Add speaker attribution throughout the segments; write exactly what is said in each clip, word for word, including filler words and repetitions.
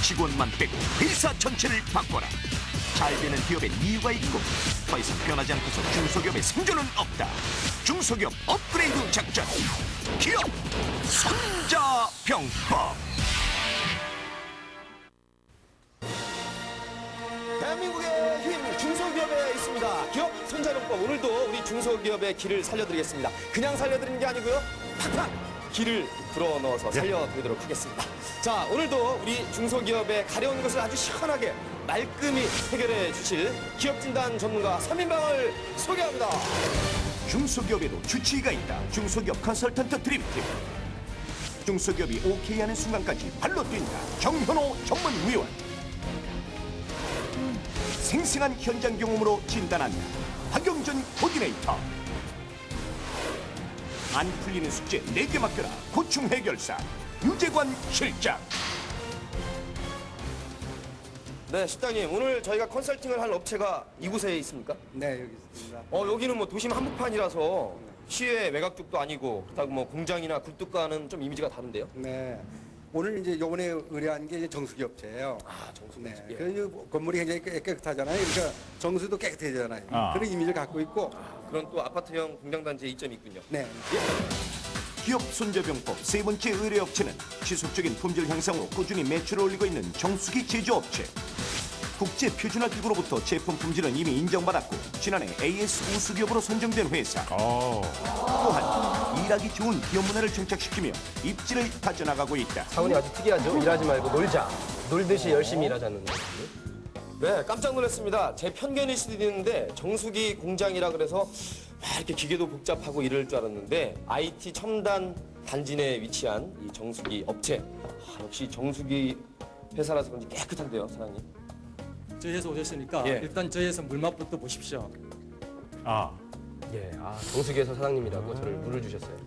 Speaker 1: 직원만 빼고 회사 전체를 바꿔라. 잘 되는 기업엔 이유가 있고 더 이상 변하지 않고서 중소기업의 생존은 없다. 중소기업 업그레이드 작전 기업 손자병법.
Speaker 2: 대한민국의 힘 중소기업에 있습니다. 기업 손자병법, 오늘도 우리 중소기업의 길을 살려드리겠습니다. 그냥 살려드리는 게 아니고요, 팍팍 길을 불어넣어서 살려드리도록 하겠습니다. 자, 오늘도 우리 중소기업의 가려운 것을 아주 시원하게 말끔히 해결해 주실 기업진단 전문가 삼 인방을 소개합니다.
Speaker 1: 중소기업에도 주치의가 있다. 중소기업 컨설턴트 드림팀. 중소기업이 오케이 하는 순간까지 발로 뛴다. 정현호 전문위원. 생생한 현장 경험으로 진단한다. 박영준 코디네이터. 안 풀리는 숙제 내게 맡겨라. 고충 해결사 유재관 실장.
Speaker 2: 네, 실장님, 오늘 저희가 컨설팅을 할 업체가 이곳에 있습니까?
Speaker 3: 네, 여기 있습니다.
Speaker 2: 어, 여기는 뭐 도심 한복판이라서 시외 외곽 쪽도 아니고, 그렇다고 뭐 공장이나 굴뚝과는 좀 이미지가 다른데요?
Speaker 3: 네. 오늘 이제 요번에 의뢰한 게 이제 정수기 업체예요.
Speaker 2: 아, 정수기
Speaker 3: 네.
Speaker 2: 업체. 예.
Speaker 3: 그 건물이 굉장히 깨- 깨끗하잖아요. 그러니까 정수도 깨끗해지잖아요.
Speaker 4: 아.
Speaker 3: 그런 이미지를 갖고 있고,
Speaker 2: 그런 또 아파트형 공장단지의 이점이 있군요.
Speaker 3: 네.
Speaker 1: 기업 손자병법 세 번째 의뢰업체는 지속적인 품질 향상으로 꾸준히 매출을 올리고 있는 정수기 제조업체. 국제 표준화 기구로부터 제품 품질은 이미 인정받았고 지난해 에이에스 우수기업으로 선정된 회사.
Speaker 4: 오.
Speaker 1: 또한 일하기 좋은 기업 문화를 정착시키며 입지를 다져나가고 있다.
Speaker 5: 차원이 아주 특이하죠. 일하지 말고 놀자. 놀듯이 열심히 일하자는.
Speaker 2: 네, 깜짝 놀랐습니다. 제 편견일 수도 있는데 정수기 공장이라 그래서 막 이렇게 기계도 복잡하고 이럴 줄 알았는데 아이티 첨단 단지 내에 위치한 이 정수기 업체. 아, 역시 정수기 회사라서 그런지 깨끗한데요, 사장님.
Speaker 6: 저희 회사 오셨으니까
Speaker 2: 예.
Speaker 6: 일단 저희 회사 물맛부터 보십시오.
Speaker 4: 아.
Speaker 5: 예, 아, 정수기에서 사장님이라고 저를 물을 주셨어요.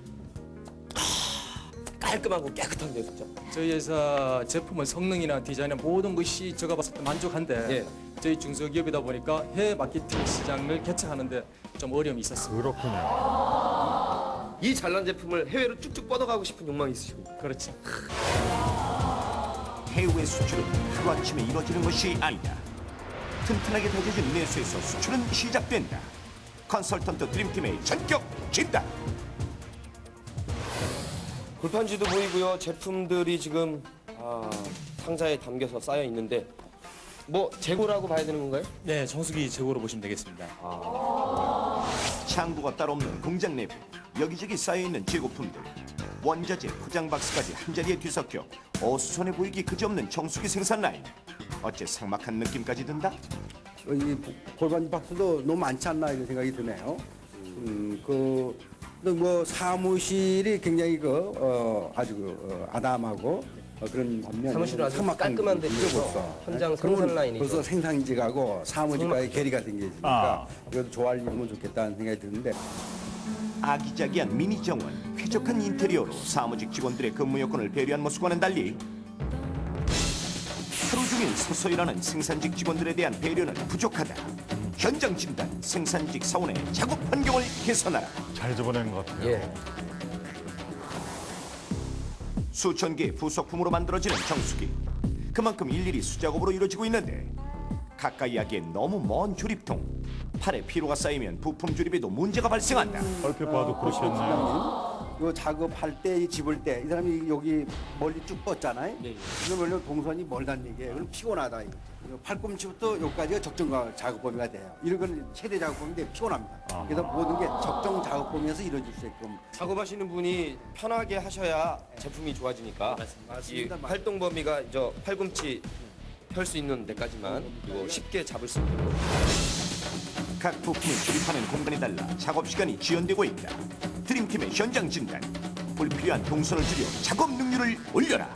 Speaker 2: 깔끔하고 깨끗한데요, 진짜.
Speaker 6: 저희 회사 제품은 성능이나 디자인이나 모든 것이 제가 봤을 때 만족한데
Speaker 2: 예.
Speaker 6: 저희 중소기업이다 보니까 해외 마케팅 시장을 개척하는데 좀 어려움이 있었습니다.
Speaker 4: 그렇군요.
Speaker 2: 이 잘난 제품을 해외로 쭉쭉 뻗어가고 싶은 욕망이 있으시군요.
Speaker 6: 그렇지.
Speaker 1: 해외 수출은 하루아침에 이루어지는 것이 아니다. 튼튼하게 다져진 내수에서 수출은 시작된다. 컨설턴트 드림팀의 전격 진단.
Speaker 2: 골판지도 보이고요. 제품들이 지금 아, 상자에 담겨서 쌓여 있는데 뭐 재고라고 봐야 되는 건가요?
Speaker 7: 네, 정수기 재고로 보시면 되겠습니다.
Speaker 1: 창고가 따로 없는 공장 내부. 여기저기 쌓여있는 재고품들. 원자재, 포장 박스까지 한자리에 뒤섞여 어수선해 보이기 그지없는 정수기 생산 라인. 어째 삭막한 느낌까지 든다?
Speaker 3: 어, 이 골반 박스도 너무 많지 않나 이런 생각이 드네요. 음, 그, 또 뭐 사무실이 굉장히 그, 어, 아주 그, 어, 아담하고 어, 그런 반면
Speaker 5: 사무실은 아주
Speaker 3: 삭막한
Speaker 5: 깔끔한 데
Speaker 3: 게
Speaker 5: 비해서
Speaker 3: 벌써.
Speaker 5: 현장
Speaker 3: 네?
Speaker 5: 생산
Speaker 3: 그러면
Speaker 5: 라인이
Speaker 3: 벌써 생산직하고 사무직과의 괴리가 생기니까
Speaker 4: 아.
Speaker 3: 그래도 조화를 이루면 좋겠다는 생각이 드는데
Speaker 1: 아기자기한 미니 정원, 쾌적한 인테리어로 사무직 직원들의 근무 여건을 배려한 모습과는 달리 하루 종일 서서 일하는 생산직 직원들에 대한 배려는 부족하다. 현장 진단, 생산직 사원의 작업 환경을 개선하라.
Speaker 4: 잘 집어낸 것 같아요.
Speaker 5: 예.
Speaker 1: 수천 개의 부속품으로 만들어지는 정수기. 그만큼 일일이 수작업으로 이루어지고 있는데 가까이 하기엔 너무 먼 조립통. 팔에 피로가 쌓이면 부품 조립에도 문제가 발생한다.
Speaker 4: 얼핏 봐도 그렇겠네요.
Speaker 3: 이거 작업할 때, 이 집을 때, 이 사람이 여기 멀리 쭉 뻗잖아요.
Speaker 2: 네.
Speaker 3: 그럼 원래 동선이 멀다는 얘기예요. 그럼 피곤하다. 이거. 이거 팔꿈치부터 여기까지가 적정 작업 범위가 돼요. 이런 건 최대 작업 범위인데 피곤합니다. 그래서 모든 게 적정 작업 범위에서 이루어질 수 있게끔.
Speaker 2: 작업하시는 분이 편하게 하셔야 제품이 좋아지니까
Speaker 3: 맞습니다.
Speaker 2: 이 활동 범위가 저 팔꿈치 펼 수 있는 데까지만 그리고 쉽게 잡을 수 있도록.
Speaker 1: 각 부품을 조립하는 공간이 달라 작업 시간이 지연되고 있다. 드림팀의 현장 진단. 불필요한 동선을 줄여 작업 능률을 올려라.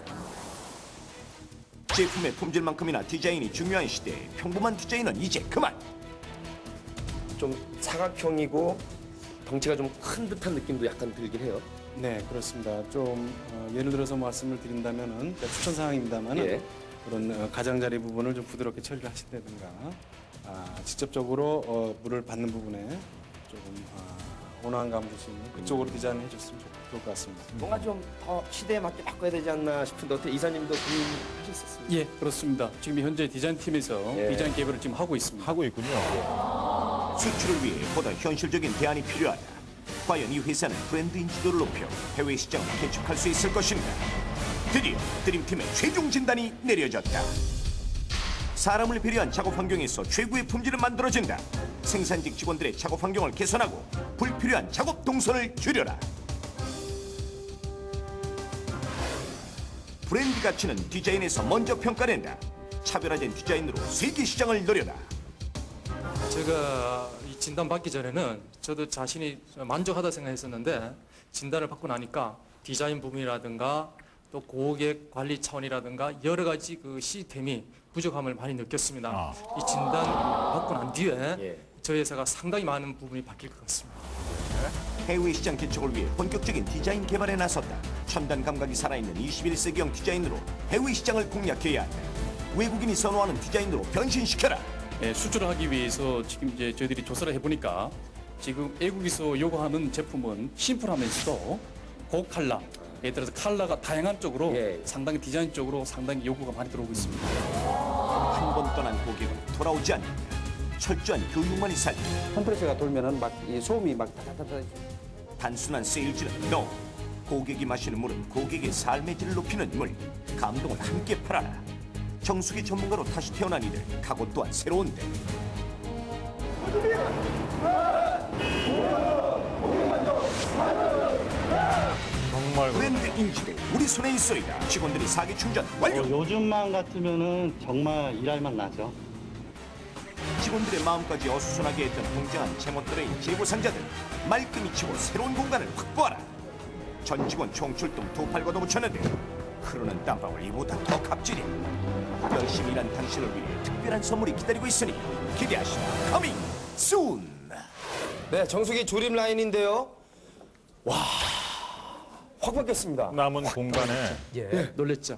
Speaker 1: 제품의 품질만큼이나 디자인이 중요한 시대에 평범한 디자인은 이제 그만.
Speaker 2: 좀 사각형이고 덩치가 좀 큰 듯한 느낌도 약간 들긴 해요.
Speaker 7: 네, 그렇습니다. 좀 어, 예를 들어서 말씀을 드린다면은 추천 사항입니다만은
Speaker 2: 예.
Speaker 7: 그런 어, 가장자리 부분을 좀 부드럽게 처리를 하신다든가 아, 직접적으로 어, 물을 받는 부분에 조금 아, 온화한 감을 줄 수 있는 그쪽으로 디자인을 해줬으면 좋겠습니다. 좋을 것 같습니다.
Speaker 2: 뭔가 좀 더 시대에 맞게 바꿔야 되지 않나 싶은데 어떻게 이사님도 고민하셨었습니까?
Speaker 7: 예, 그렇습니다. 지금 현재 디자인팀에서
Speaker 2: 예.
Speaker 7: 디자인 개발을 지금 하고 있습니다.
Speaker 4: 하고 있군요.
Speaker 1: 수출을 위해 보다 현실적인 대안이 필요하다. 과연 이 회사는 브랜드 인지도를 높여 해외 시장을 개척할 수 있을 것인가? 드디어 드림팀의 최종 진단이 내려졌다. 사람을 배려한 작업 환경에서 최고의 품질을 만들어진다. 생산직 직원들의 작업 환경을 개선하고 불필요한 작업 동선을 줄여라. 브랜드 가치는 디자인에서 먼저 평가된다. 차별화된 디자인으로 세계 시장을 노려라.
Speaker 6: 제가 이 진단 받기 전에는 저도 자신이 만족하다 생각했었는데 진단을 받고 나니까 디자인 부분이라든가 또 고객 관리 차원이라든가 여러 가지 그 시스템이 부족함을 많이 느꼈습니다.
Speaker 4: 아.
Speaker 6: 이 진단 받고 난 뒤에
Speaker 2: 예.
Speaker 6: 저희 회사가 상당히 많은 부분이 바뀔 것 같습니다.
Speaker 1: 해외 시장 개척을 위해 본격적인 디자인 개발에 나섰다. 첨단 감각이 살아있는 이십일 세기형 디자인으로 해외 시장을 공략해야 한다. 외국인이 선호하는 디자인으로 변신시켜라.
Speaker 7: 예, 수출을 하기 위해서 지금 이제 저희들이 조사를 해보니까 지금 외국에서 요구하는 제품은 심플하면서도 고칼라, 예를 들어서 컬러가 다양한 쪽으로
Speaker 2: 예.
Speaker 7: 상당히 디자인 쪽으로 상당히 요구가 많이 들어오고 있습니다.
Speaker 1: 한 번 떠난 고객은 돌아오지 않는다. 철저한 교육만이 살다.
Speaker 3: 컴프레서가 돌면은 막 이 소음이 막 타타타타.
Speaker 1: 단순한 세일즈는 너. 고객이 마시는 물은 고객의 삶의 질을 높이는 물. 감동을 함께 팔아라. 정수기 전문가로 다시 태어난 이들. 각오 또한 새로운데.
Speaker 4: 정말
Speaker 1: 브랜드 인지도 우리 손에 있어이다. 직원들이 사기 충전 완료.
Speaker 8: 어, 요즘만 같으면은 정말 일할만 나죠.
Speaker 1: 직원들의 마음까지 어수선하게 했던 공정한 제멋대로인 재고 상자들 말끔히 치고 새로운 공간을 확보하라. 전 직원 총출동 두 팔 걷어붙였는데 흐르는 땀방울 이보다 더 갑질이. 열심히 일한 당신을 위해 특별한 선물이 기다리고 있으니 기대하시라. 커밍 순.
Speaker 2: 네, 정수기 조립 라인인데요. 와, 확 바뀌었습니다.
Speaker 4: 남은 공간에
Speaker 7: 예, 놀랬죠.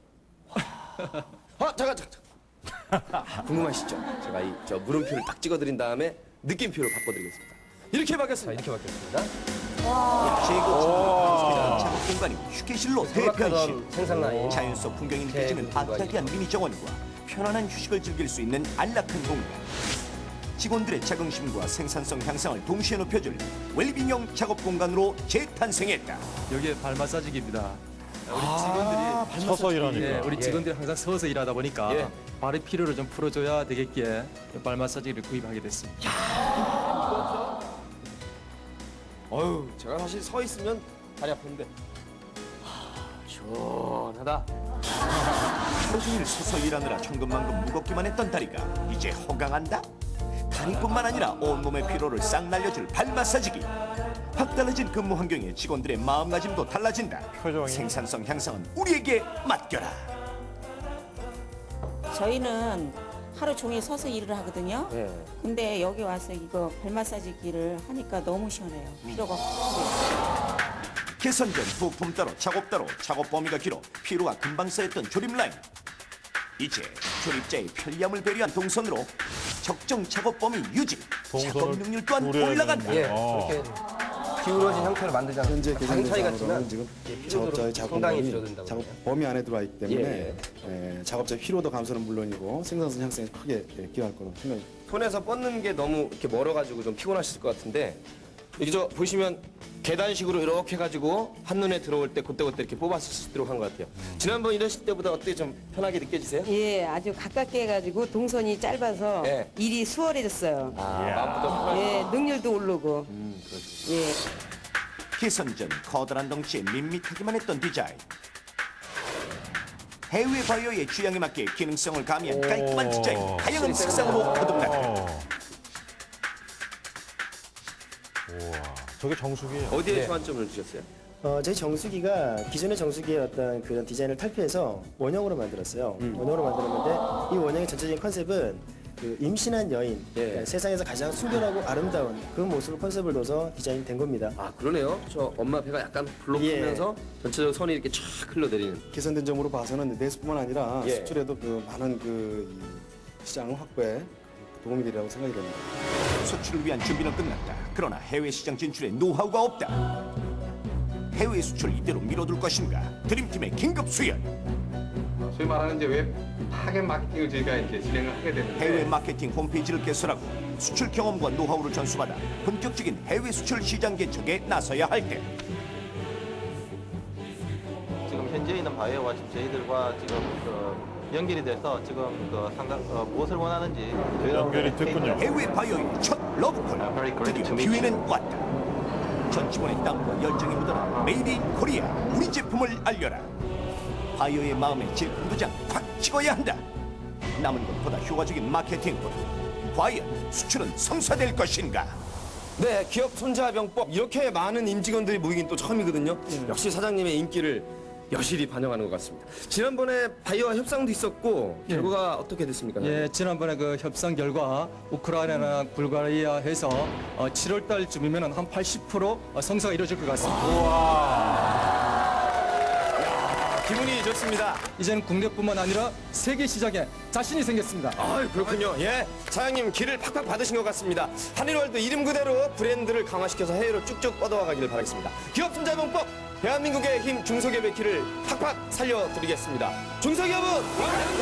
Speaker 2: 아, 잠깐, 잠깐. 아, 궁금하시죠? 제가 이 저 물음표를 딱 찍어드린 다음에 느낌표를 바꿔드리겠습니다. 이렇게
Speaker 5: 자,
Speaker 2: 바뀌었습니다.
Speaker 5: 이렇게 바뀌었습니다.
Speaker 1: 재고 직원 작업 공간이 휴게실로 대변신.
Speaker 5: 생각하던 생산 라인.
Speaker 1: 자연 속 풍경이 느껴지는
Speaker 5: 제 공간이
Speaker 1: 아기자기한 미니 정원과 편안한 휴식을 즐길 수 있는 안락한 공간. 직원들의 자긍심과 생산성 향상을 동시에 높여줄 웰빙형 작업 공간으로 재탄생했다.
Speaker 6: 여기에 발 마사지기입니다. 우리 직원들이
Speaker 4: 서서 일하니까.
Speaker 6: 예, 우리
Speaker 5: 예.
Speaker 6: 직원들이 항상 서서 일하다 보니까
Speaker 2: 예.
Speaker 6: 발의 피로를 좀 풀어줘야 되겠기에 발 마사지기를 구입하게 됐습니다.
Speaker 2: 어휴, 제가 사실 서 있으면 다리 아픈데. 하, 시원하다.
Speaker 1: 하루 종일 서서 일하느라 천근만근 무겁기만 했던 다리가 이제 허강한다? 다리뿐만 아니라 온몸의 피로를 싹 날려줄 발 마사지기. 확 달라진 근무 환경에 직원들의 마음가짐도 달라진다.
Speaker 4: 표정이.
Speaker 1: 생산성 향상은 우리에게 맡겨라.
Speaker 9: 저희는 하루 종일 서서 일을 하거든요.
Speaker 2: 예.
Speaker 9: 근데 여기 와서 이거 발 마사지기를 하니까 너무 시원해요. 피로가 확 풀려요.
Speaker 1: 개선된 부품 따로 작업 따로 작업 범위가 길어 피로가 금방 쌓였던 조립 라인. 이제 조립자의 편리함을 배려한 동선으로 적정 작업 범위 유지, 작업
Speaker 4: 동선을
Speaker 1: 능률 또한
Speaker 4: 줄여야
Speaker 1: 올라간다.
Speaker 4: 되는데.
Speaker 5: 예,
Speaker 4: 어.
Speaker 5: 그렇게 기울어진 형태를 만들지 않습니까?
Speaker 3: 현재
Speaker 5: 당 차이 같지만
Speaker 3: 계산대상으로는 지금
Speaker 5: 예,
Speaker 3: 작업자의
Speaker 5: 상당히
Speaker 3: 작업범위,
Speaker 5: 줄어든다고
Speaker 3: 작업
Speaker 5: 그래요.
Speaker 3: 범위 안에 들어와 있기 때문에
Speaker 2: 예,
Speaker 3: 예, 작업자 피로도 감소는 물론이고 생산성 향상에 크게 예, 기여할 거로 생각이.
Speaker 2: 손에서 뻗는 게 너무 이렇게 멀어가지고 좀 피곤하실 것 같은데 여기 저 보시면 계단식으로 이렇게 해가지고 한눈에 들어올 때 그때그때 이렇게 뽑았을 수 있도록 한 것 같아요. 지난번 이러실 때보다 어떻게 좀 편하게 느껴지세요?
Speaker 10: 예, 아주 가깝게 해가지고 동선이 짧아서
Speaker 2: 예.
Speaker 10: 일이 수월해졌어요.
Speaker 2: 아, 마음부터 편하게.
Speaker 10: 예, 능률도 오르고.
Speaker 2: 음, 그렇죠.
Speaker 10: 예.
Speaker 1: 개선 전 커다란 덩치에 밋밋하기만 했던 디자인. 해외 바이어의 취향에 맞게 기능성을 가미한 깔끔한 디자인, 다양한 색상으로 거듭났다.
Speaker 4: 어. 우와, 저게 정수기예요.
Speaker 2: 어디에
Speaker 5: 네.
Speaker 2: 주안점을 주셨어요?
Speaker 11: 어, 저희 정수기가 기존의 정수기의 어떤 그런 디자인을 탈피해서 원형으로 만들었어요. 원형으로 만들었는데 이 원형의 전체적인 컨셉은 그 임신한 여인,
Speaker 2: 예.
Speaker 11: 그러니까 세상에서 가장 순결하고 아름다운 그 모습을 컨셉을 둬서 디자인이 된 겁니다.
Speaker 2: 아 그러네요. 저 엄마 배가 약간 불룩하면서 전체적으로 선이 이렇게 쫙 흘러내리는.
Speaker 3: 개선된 점으로 봐서는 내수뿐만 아니라
Speaker 2: 예.
Speaker 3: 수출에도 그 많은 그 이 시장 확보에 도움이 되리라고 생각이 됩니다.
Speaker 1: 수출을 위한 준비는 끝났다. 그러나 해외 시장 진출에 노하우가 없다. 해외 수출 이대로 밀어둘 것인가? 드림팀의 긴급 수연.
Speaker 12: 소위 말하는 이제 웹 타겟 마케팅을 저희가 이제 진행을 하게 되는데
Speaker 1: 해외 마케팅 홈페이지를 개설하고 수출 경험과 노하우를 전수받아 본격적인 해외 수출 시장 개척에 나서야 할 때
Speaker 13: 지금 현지에 있는 바이오와 지금 저희들과 지금 그 연결이 돼서 지금 그 상당 어, 무엇을 원하는지
Speaker 4: 연결이 됐군요.
Speaker 1: 해외 바이오의 첫 러브콜. 드디어 기회는 왔다. 전직원의 땀과 열정이 묻어난 메이드 인 코리아. 우리 제품을 알려라. 바이오의 마음에 제품 도장 확 찍어야 한다. 남은 것보다 효과적인 마케팅으로 과연 수출은 성사될 것인가?
Speaker 2: 네, 기업 손자병법 이렇게 많은 임직원들이 모이긴 또 처음이거든요. 역시 사장님의 인기를 여실히 반영하는 것 같습니다. 지난번에 바이오와 협상도 있었고
Speaker 6: 예.
Speaker 2: 결과가 어떻게 됐습니까?
Speaker 6: 예, 지난번에 그 협상 결과 우크라이나나 불가리아 해서 어, 칠월 달쯤이면 한 팔십 퍼센트 성사가 이루어질 것 같습니다.
Speaker 2: 기분이 좋습니다.
Speaker 6: 이제는 국내뿐만 아니라 세계 시장에 자신이 생겼습니다.
Speaker 2: 아, 그렇군요. 예, 사장님 기를 팍팍 받으신 것 같습니다. 한일월드 이름 그대로 브랜드를 강화시켜서 해외로 쭉쭉 뻗어와 가기를 바라겠습니다. 기업 손자병법 대한민국의 힘 중소기업의 길을 팍팍 살려드리겠습니다. 중소기업은